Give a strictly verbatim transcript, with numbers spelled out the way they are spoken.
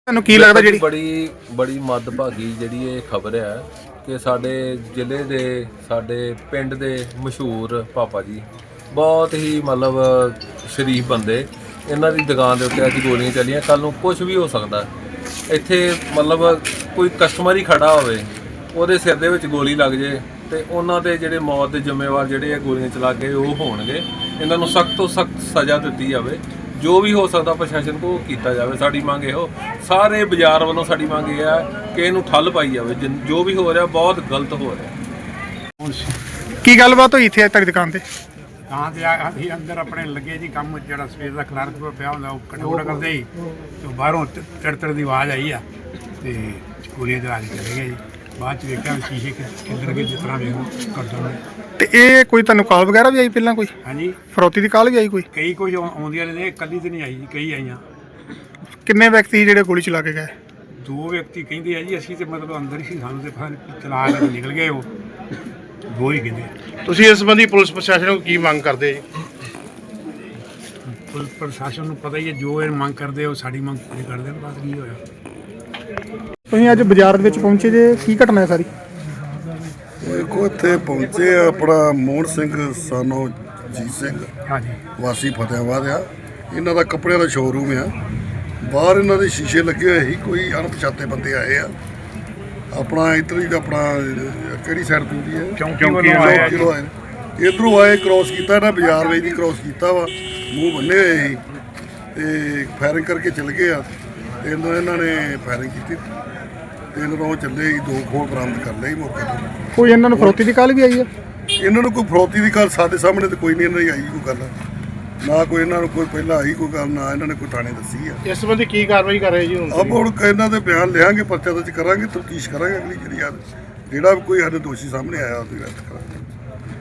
ਤੁਹਾਨੂੰ ਕੀ ਲੱਗਦਾ ਜਿਹੜੀ ਬੜੀ ਬੜੀ ਮੱਦਭਾਗੀ ਜਿਹੜੀ ਇਹ ਖਬਰ ਹੈ ਕਿ ਸਾਡੇ ਜ਼ਿਲ੍ਹੇ ਦੇ ਸਾਡੇ ਪਿੰਡ ਦੇ ਮਸ਼ਹੂਰ ਪਾਪਾ ਜੀ ਬਹੁਤ ਹੀ ਮਤਲਬ ਸ਼ਰੀਫ ਬੰਦੇ, ਇਹਨਾਂ ਦੀ ਦੁਕਾਨ ਦੇ ਉੱਤੇ ਅੱਜ ਗੋਲੀਆਂ ਚੱਲੀਆਂ। ਕੱਲ ਨੂੰ ਕੁਝ ਵੀ ਹੋ ਸਕਦਾ। ਇੱਥੇ ਮਤਲਬ ਕੋਈ ਕਸਟਮਰ ਹੀ ਖੜਾ ਹੋਵੇ, ਉਹਦੇ ਸਿਰ ਦੇ ਵਿੱਚ ਗੋਲੀ ਲੱਗ ਜੇ ਤੇ ਉਹਨਾਂ ਦੇ ਜਿਹੜੇ ਮੌਤ ਦੇ ਜ਼ਿੰਮੇਵਾਰ ਜਿਹੜੇ ਆ ਗੋਲੀਆਂ ਚਲਾ ਕੇ ਉਹ ਹੋਣਗੇ। ਇਹਨਾਂ ਨੂੰ ਸਖਤ ਤੋਂ ਸਖਤ ਸਜ਼ਾ ਦਿੱਤੀ ਜਾਵੇ। ਜੋ ਵੀ ਹੋ ਸਕਦਾ ਪ੍ਰਸ਼ਾਸਨ ਕੋਲ ਕੀਤਾ ਜਾਵੇ। ਸਾਡੀ ਮੰਗ ਇਹੋ, ਸਾਰੇ ਬਾਜ਼ਾਰ ਵੱਲੋਂ ਸਾਡੀ ਮੰਗ ਇਹ ਹੈ ਕਿ ਇਹਨੂੰ ਠੱਲ ਪਾਈ ਜਾਵੇ। ਜੋ ਵੀ ਹੋ ਰਿਹਾ ਬਹੁਤ ਗਲਤ ਹੋ ਰਿਹਾ। ਕੀ ਗੱਲਬਾਤ ਹੋਈ ਇੱਥੇ ਤੁਹਾਡੀ ਦੁਕਾਨ ਤੇ? ਤਾਂ ਤੇ ਅਸੀਂ ਅੰਦਰ ਆਪਣੇ ਲੱਗੇ ਜੀ ਕੰਮ, ਜਿਹੜਾ ਸਵੇਰ ਦਾ ਕਲਰਕ ਪਿਆ ਹੁੰਦਾ ਉਹ ਕਟੋੜਾ ਕਰਦੇ ਹੀ ਤੇ ਬਾਹਰੋਂ ਤੜਤੜ ਦੀ ਆਵਾਜ਼ ਆਈ ਆ ਤੇ ਗੋਲੀਆਂ ਚਲਾ ਕੇ ਚਲੇ ਗਏ ਜੀ। ਬਾਅਦ ਚ ਵੇਖਿਆ ਸ਼ੀਸ਼ੇ ਕਿੱਧਰ ਗਏ, ਜਿਸ ਤਰ੍ਹਾਂ ਵੇਖੋ ਕਰਦਾ। ਤੇ ਇਹ ਕੋਈ ਤੁਹਾਨੂੰ ਕਾਲ ਵਗੈਰਾ ਵੀ ਆਈ ਪਹਿਲਾਂ? ਕੋਈ ਹਾਂਜੀ, ਫਰੋਤੀ ਦੀ ਕਾਲ ਵੀ ਆਈ ਕੋਈ? ਕਈ ਕੁਝ ਆਉਂਦੀਆਂ ਨੇ, ਇਕੱਲੀ ਤੇ ਨਹੀਂ ਆਈ ਜੀ, ਕਈ ਆਈਆਂ। ਕਿੰਨੇ ਵਿਅਕਤੀ ਜਿਹੜੇ ਗੋਲੀ ਚਲਾ ਕੇ ਗਏ? ਦੋ ਵਿਅਕਤੀ ਕਹਿੰਦੇ ਆ ਜੀ, ਅਸੀਂ ਤੇ ਮਤਲਬ ਅੰਦਰ ਹੀ ਸੀ, ਸਾਨੂੰ ਤੇ ਫਿਰ ਚਲਾ ਕੇ ਨਿਕਲ ਗਏ ਉਹ ਦੋ ਹੀ ਕਹਿੰਦੇ। ਤੁਸੀਂ ਇਸ ਸੰਬੰਧੀ ਪੁਲਿਸ ਪ੍ਰਸ਼ਾਸਨ ਨੂੰ ਕੀ ਮੰਗ ਕਰਦੇ ਜੀ? ਪੁਲਿਸ ਪ੍ਰਸ਼ਾਸਨ ਨੂੰ ਪਤਾ ਹੀ ਹੈ, ਜੋ ਇਹ ਮੰਗ ਕਰਦੇ ਉਹ ਸਾਡੀ ਮੰਗ ਪੂਰੀ ਕਰਦੇ ਨੇ। ਬਸ ਕੀ ਹੋਇਆ। ਤੁਸੀਂ ਅੱਜ ਬਾਜ਼ਾਰ ਦੇ ਵਿੱਚ ਪਹੁੰਚੇ ਜੇ, ਕੀ ਘਟਨਾ ਹੈ ਸਾਰੀ? ਦੇਖੋ ਇੱਥੇ ਪਹੁੰਚੇ ਆ ਆਪਣਾ ਮੋਹਨ ਸਿੰਘ ਸਾਨੋ ਜੀਤ ਸਿੰਘ ਹਾਂਜੀ, ਵਾਸੀ ਫਤਿਆਬਾਦ ਆ। ਇਹਨਾਂ ਦਾ ਕੱਪੜਿਆਂ ਦਾ ਸ਼ੋਰੂਮ ਆ। ਬਾਹਰ ਇਹਨਾਂ ਦੇ ਸ਼ੀਸ਼ੇ ਲੱਗੇ ਹੋਏ ਸੀ। ਕੋਈ ਅਣਪਛਾਤੇ ਬੰਦੇ ਆਏ ਆ। ਆਪਣਾ ਇੱਧਰ ਹੀ ਆਪਣਾ ਕਿਹੜੀ ਸਾਈਡ ਤੋਂ ਹੁੰਦੀ ਹੈ, ਚੌਂਕੀ ਵੱਲੋਂ ਆਏ ਕਿਲੋ ਆਏ ਇੱਧਰੋਂ ਆਏ, ਕ੍ਰੋਸ ਕੀਤਾ ਇਹਨਾਂ ਬਾਜ਼ਾਰ ਵਿੱਚ ਦੀ ਕ੍ਰੋਸ ਕੀਤਾ ਵਾ। ਮੂੰਹ ਬੰਨੇ ਹੋਏ ਸੀ ਤੇ ਫਾਇਰਿੰਗ ਕਰਕੇ ਚਲੇ ਗਏ ਆ। ਤੇ ਇਹਨਾਂ ਇਹਨਾਂ ਨੇ ਫਾਇਰਿੰਗ ਕੀਤੀ ਤੇ ਇਹਨਾਂ ਨੂੰ ਚੱਲੇ ਹੀ ਦੋ ਖੋਲ ਬਰਾਮਦ ਕਰ ਲਏ ਮੌਕੇ ਤੇ। ਕੋਈ ਇਹਨਾਂ ਨੂੰ ਫਰੋਤੀ ਦੀ ਕਾਲ ਵੀ ਆਈ ਹੈ? ਇਹਨਾਂ ਨੂੰ ਕੋਈ ਫਰੋਤੀ ਦੀ ਗੱਲ ਸਾਡੇ ਸਾਹਮਣੇ ਤੇ ਕੋਈ ਨਹੀਂ ਇਹਨਾਂ ਦੀ ਆਈ ਕੋਈ ਗੱਲ, ਨਾ ਕੋਈ ਇਹਨਾਂ ਨੂੰ ਕੋਈ ਪਹਿਲਾਂ ਆਈ ਕੋਈ ਗੱਲ, ਨਾ ਇਹਨਾਂ ਨੇ ਕੋਈ ਥਾਣੇ ਦੱਸੀ ਆ। ਇਸ ਸੰਬੰਧੀ ਕੀ ਕਾਰਵਾਈ ਕਰ ਰਹੇ ਜੀ ਹੁਣ? ਆਪ ਹੁਣ ਇਹਨਾਂ ਦੇ ਬਿਆਨ ਲਿਆਂਗੇ, ਪਰਚਾ ਦਰਜ ਕਰਾਂਗੇ, ਤਫਤੀਸ਼ ਕਰਾਂਗੇ। ਅਗਲੀ ਜਿਹੜੀ ਆ ਜਿਹੜਾ ਵੀ ਕੋਈ ਸਾਡੇ ਦੋਸ਼ੀ ਸਾਹਮਣੇ ਆਇਆ ਉਹਦੀ ਅਰੈਸਟ ਕਰਾਂਗੇ।